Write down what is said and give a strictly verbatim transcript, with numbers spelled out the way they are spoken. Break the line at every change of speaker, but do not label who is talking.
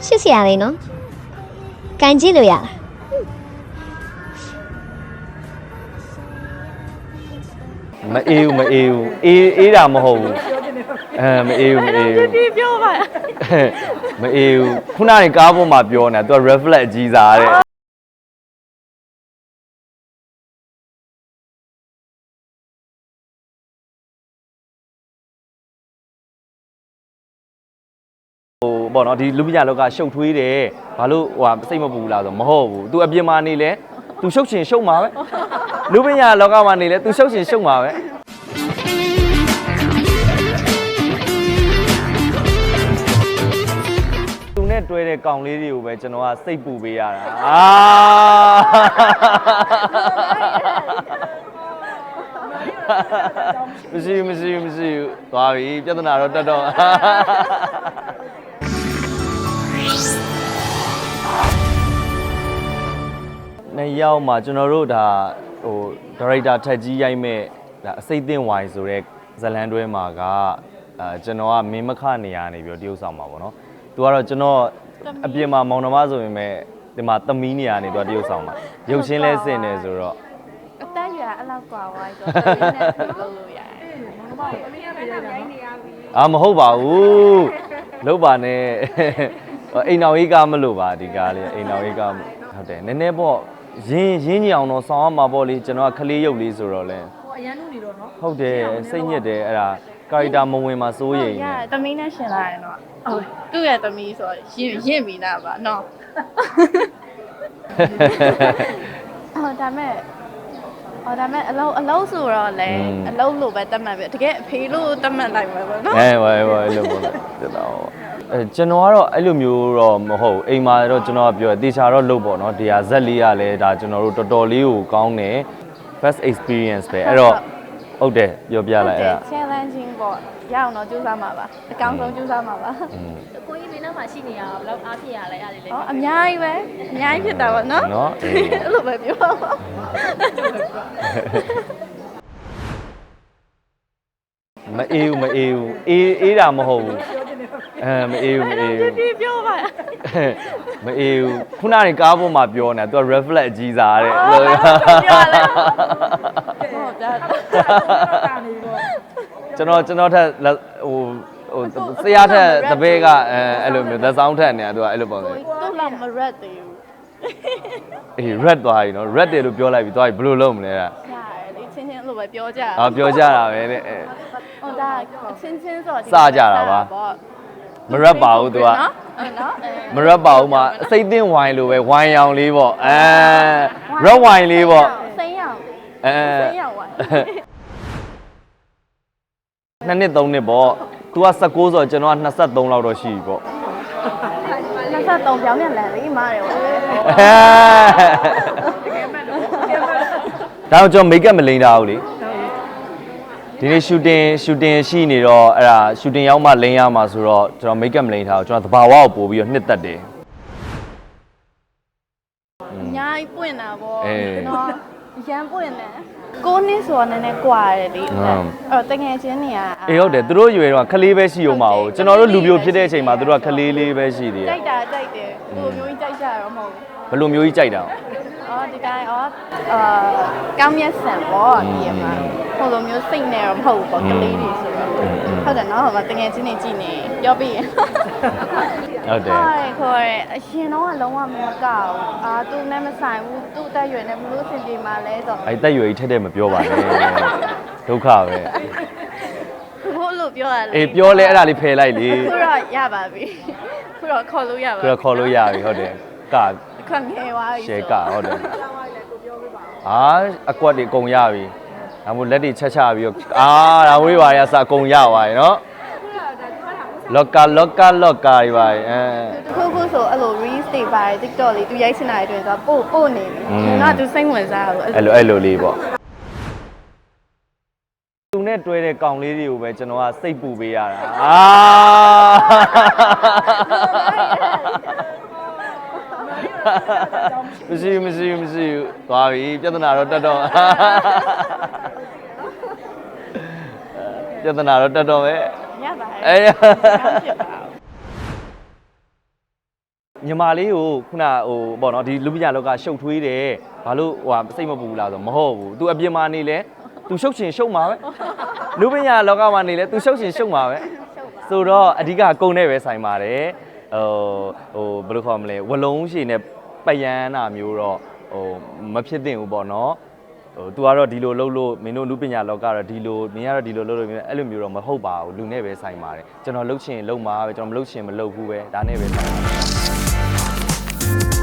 ရှစ်ဆရာလေးနော်ကန်ကြည့်လို့ရလား
မအေးဘူးမအေးဘူးအေးအေးတာမဟုတ်ဘူးအဲမအေးဘူးမအေးဘူး
ဒီပြောပါ
မအေးဘူးခုနကကားပေါ်မှာပြောနေတာ तू reflect အကြီးစားတဲ့ဟိုပေါ့နော်ဒီလူပညာလောကရှုပ်ထွေးတယ်ဘာလို့ဟိုစိတ်မပူလားဆိုမဟုတ်ဘူး तू အပြင်မှာနေလဲ तू ရှုပ်ချင်ရှုပ်မှာပဲလူပညာလောကမှာနေလဲ तू ရှုပ်ချင်ရှုပ်မှာပဲသူနဲ့တွဲတဲ့ကောင်လေးတွေကိုပဲကျွန်တော်ကစိတ်ပူပေးရတာအာမရှိမရှိမရှိသွားပြီပြဿနာတော့တက်တော့နှစ်ယောက်မှာကျွန်တော်တို့ဒါဟိုဒါရိုက်တာထက်ကြီးရိုက်မဲ့ဒါအစိတ်သင့်ဝိုင်ဆိုတဲ့ဇလန်တွဲမှာကအဲကျွန်တော်ကမင်းမခနေရနေပြီးတော့တရုပ်ဆောင်မှာပေါ့နော်သူကတော့ကျွန်တော်အပြင်မှာမောင်နှမဆိုရင်မဲ့ဒီမှာသမီးနေရနေတော့တရုပ်ဆောင်မှာရုပ်ချင်းလဲစင်နေဆိုတော့
အသက်ရွယ်အဲ့လောက်กว่าဝိုင်းဆိုတော့သမီးနဲ့လုပ်လို့ရတယ်မောင်နှမကိုသမီးနဲ့ရိုက်နေရပြီ
အာမဟုတ်ပါဘူးလုံးပါနဲ့အိမ်တော်ကြီးကမလို့ပါဒီကားလေးအိမ်တော်ကြီးကဟုတ်တယ်နည်းနည်းပေါ့ရင်းရင်းညအောင်တော့ဆောင်းရမှာပေါ့လေကျွန်တော်ကခလေးရုပ်လေးဆိုတော့လဲ
ဟိုအရန်နုနေတော့နော်
ဟုတ်တယ်စိတ်ညစ်တယ်အဲ့ဒါကာရီတာမဝင်မှာစိုးရိမ်
နေသမီးနဲ့ရှင်လာရင်တော့ဟုတ်သူ့ရဲ့သမီးဆိုရင်ရင့်ပြီးသားပါနော်ဟောဒါမဲ့ဟောဒါမဲ့အလုံးအလုံးဆိုတော့လေအလုံးလို့ပဲတတ်မှတ်ပြီတကယ်အဖေလို့တတ်မှတ်လိုက်မှာပေါ့နော်
အဲဝဲဝဲလို့ပေါ့တက်တော့အဲကျွန်တော်ကတော့အဲ့လိုမျိုးတော့မဟုတ်အိမ်မှာတော့ကျွန်တော်ကပြောတေချာတော့လုပ်ပေါ့နော်ဒီဟာဇက်လေးကလည်းဒါကျွန်တော်တို့တော်တော်လေးကိုကောင်းတယ် first experience ပဲအဲ့တော့ဟုတ်တယ်ပြောပြလိုက်အဲ့ဒါ
challenging ပေါ့ရအောင်တော့ကြိုးစားမှာပါအကောင်းဆုံးကြိုးစားမှာပါ
ကိုကြီးလေးနောက်မှာရှိနေရအောင်ဘယ်လောက်အားဖြစ်ရလဲအဲ့ဒါလေးလေ
ဟောအများကြီးပဲအများကြီးဖြစ်တာပေါ့နော်
နော်
အဲ့လိုပဲပြော
မအေးဘူးမအေးဘူးအေးအေးတာမဟုတ်ဘူးအဲမအေးဘူးမအေးဘူး
ဒီပြောပါ
မအေးဘူးခုနကကားပေါ်မှာပြောနေတာ तू reflect အကြီးစားတဲ့
ပြောလဲဟုတ်တာ
ကျွန်တော်ကျွန်တော်ထက်ဟိုဟိုဆရာထက်တပည့်ကအဲအဲ့လိုမျိုးသက်ဆောင်ထက်နေတာ तू ကအဲ့လိုပုံစံ
သူ့လောက်မရက်သေးဘူး
အေး red သွားပြီနော် red တယ်လို့ပြောလိုက်ပြီသွားပြီဘယ်လိုလုပ်မလဲအဲ့ဒါ
ရတယ်လေချင်းချင်းလို့ပဲပြောကြတာ
အော်ပြောကြတာပဲတဲ့
ဟိုဒါချင်းချင်းဆို
စကြတာပါမရက်ပါဘူး तू က
နော်နော်
မရက်ပါဘူးမှာအစိတ်သင့်ဝိုင်လိုပဲဝိုင်ရောင်လေးပေါ့အဲ red wine လေးပေါ့
စိမ်းရောင်
အဲ
စိမ်းရောင်ဝိုင်
နှစ်နှစ်သုံးနှစ်ပေါ့ तू က十九ဆိုတော့ကျွန်တော်ကနှစ်သုံးလောက်တော့ရှိပြီပေါ့
နှစ်သုံးပြောင်းပြန်လန်လေးမားတယ်ပေါ့
ဒါတော့ကျွန်တော် make up မလိမ့်တာဘူးလေဒီနေ့ shooting shooting ရှိနေတော့အဲ့ဒါ shooting ရောက်မှလိမ့်ရမှာဆိုတော့ကျွန်တော် make up မလိမ့်ထားဘူးကျွန်တော်သဘာဝကိုပို့ပြီးတော့နှစ်သက်တယ်
အများကြီးပွင့်တာပေါ့ကျွန်တော်ရမ်းပွင့်တယ်ကိုနှစ်ဆိုတော့နည်းနည်းကွာတယ်လေအဲ့တော့တကယ်ချင်းနေရ
အေးဟုတ်တယ်သူတို့ရွယ်တော့ခလေးပဲရှိအောင်ပါဦးကျွန်တော်တို့လူပြိုဖြစ်တဲ့အချိန်မှာသူတို့ကခလေးလေးပဲရှိသေးတယ်
ကြိုက်တာကြိုက်တယ်သူ့မျိုးကြီးကြိုက်ကြရတော့မဟုတ်
ဘူးဘယ်လိုမျိုးကြီးကြိုက်တာ
အော်ဒီတိုင်းအော်အာကောင်းမြတ်ဆန်ပေါ့ဒီမှာဟိုလိုမျိုးစိတ်နဲ့တော့မဟုတ်ဘူးပေါ့ကလေးတွေဆိုတော့ဟုတ်တယ်နော်ဟိုမှာတကယ်ချင်းနေကြည့်နေပြောပြီး
ဟုတ်တယ်
ခေါ်ရခေါ်ရအရှင်တော့ကလုံးဝမကောက်အာသူနဲ့မဆိုင်ဘူးသူ့တက်ရွယ်နဲ့ဘလို့စင်ပြေမှာလဲဆို
အဲ့တက်ရွယ်ကြီးထက်တဲ့မပြောပါနဲ့ဒုက္ခပဲ
ဘို့လို့ပြောရလေ
အေးပြောလဲအဲ့ဒါလေးဖယ်လိုက်လေ
ခုတော့ရပါပြီခုတော့ခေါ်လို့ရပါ
ခုတော့ခေါ်လို့ရပြီဟုတ်တယ်က
ခွန်ငယ်သွားပြီ
ရှယ်ကဟုတ်တယ်အာအကွက်တွေအကုန်ရပြီဒါမို့လက်တွေချက်ချပြီးတော့အာဒါဝေးပါရစအကုန်ရသွားပြီနော်လော့ကာလော့ကာလော့ကာကြီးပါအဲ
တခုခုဆိုအဲ့လို reels တွေပါတယ် TikTok လေးသူရိုက်ချင်တာတွေဆိုတော့ပို့ပို့နေပြီငါသူစိတ်ဝင်စားတာ
အဲ့လိုအဲ့လိုလေးပေါ့သူနဲ့တွဲတဲ့ကောင်လေးတွေကိုပဲကျွန်တော်ကစိတ်ပူပေးရတာအာမရှိမရှိမရှိသွားပြီပြဿနာတော့တက်တော့ပြဿနာတော့တက်တော့ပဲ
ရပါတယ်အေး
ညီမလေးကိုခုနဟိုပေါ့နော်ဒီလူပညာလောကရှုပ်ထွေးတယ်ဘာလို့ဟိုစိတ်မပူလားဆိုမဟုတ်ဘူး तू အပြင်မှာနေလဲ तू ရှုပ်ချင်ရှုပ်မှာပဲလူပညာလောကမှာနေလဲ तू ရှုပ်ချင်ရှုပ်မှာပဲဆိုတော့အဓိကကုံနဲ့ပဲဆိုင်ပါတယ်ဟိုဟိုဘယ်လိုခေါ်မလဲဝလုံးရှည်နဲ့ပယန်းနာမျိုးတော့ဟိုမဖြစ်သင့်ဘူးပေါ့နော်ဟို तू ကတော့ဒီလိုလှုပ်လို့မင်းတို့လူပညာလောကတော့ဒီလိုမင်းကတော့ဒီလိုလှုပ်လို့အဲ့လိုမျိုးတော့မဟုတ်ပါဘူးလူနဲ့ပဲဆိုင်ပါတယ်ကျွန်တော်လှုပ်ချင်လှုပ်မှာပဲကျွန်တော်မလှုပ်ချင်မလှုပ်ဘူးပဲဒါနဲ့ပဲဆိုင်ပါတယ်